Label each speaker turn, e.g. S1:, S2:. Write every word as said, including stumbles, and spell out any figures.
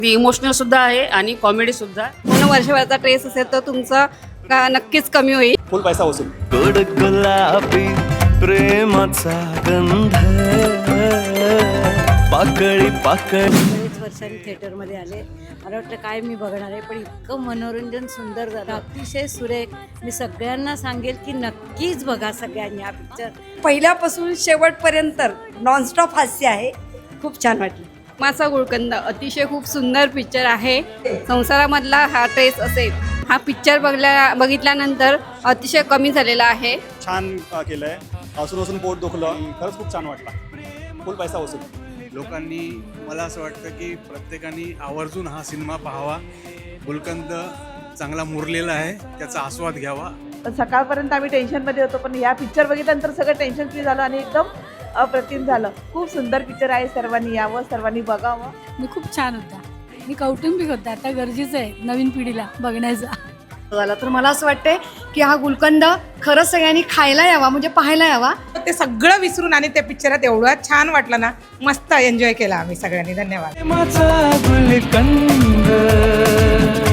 S1: Emotional सुद्धा आहे आणि कॉमेडी सुद्धा.
S2: पूर्ण वर्षभराचा ट्रेस असेल तर तुमचं का नक्कीच कमी होईल.
S3: फुल पैसा वसूल.
S4: गोड गुलाबी प्रेमाचा गंध पाकळी पाकळी.
S5: बरेच वर्षांनी थिएटरमध्ये आले. मला वाटलं काय मी बघणार आहे, पण इतकं मनोरंजन सुंदर झालं, अतिशय सुरेख. मी सगळ्यांना सांगेल की नक्कीच बघा सगळ्यांनी हा पिक्चर.
S2: पहिल्यापासून शेवटपर्यंत नॉनस्टॉप हास्य आहे. खूप छान वाटलं.
S1: माझा गुळकंद अतिशय खूप सुंदर पिक्चर आहे. संसारामधला हा ट्रेस असेल, हा पिक्चर बघल्या बघितल्यानंतर अतिशय कमी झालेला आहे.
S3: छान अ, केलंय. हसून हसून पोट दुखलं. खरंच खूप छान वाटला. फुल पैसा वसूल.
S6: लोकांनी मला असं वाटतं की प्रत्येकाने आवर्जून हा सिनेमा पाहावा. गुलकंद चांगला मुरलेला आहे, त्याचा आस्वाद घ्यावा.
S7: सकाळपर्यंत आम्ही टेन्शनमध्ये होतो, पण या पिक्चर बघितल्यानंतर सगळं टेन्शन फ्री झालं आणि एकदम अप्रतिम झालं. खूप सुंदर पिक्चर आहे. सर्वांनी यावं, सर्वांनी बघावं.
S8: मी खूप छान होता. मी कौटुंबिक होता. आता गरजेचं आहे नवीन पिढीला बघण्याचा.
S2: झालं तर मला असं वाटतंय की हा गुलकंद खरंच सगळ्यांनी खायला यावा, म्हणजे पाहायला यावा.
S9: ते सगळं विसरून आणि त्या पिक्चरात एवढं छान वाटलं ना, मस्त एन्जॉय केला आम्ही सगळ्यांनी. धन्यवाद.
S4: प्रेमाचा गुलकंद.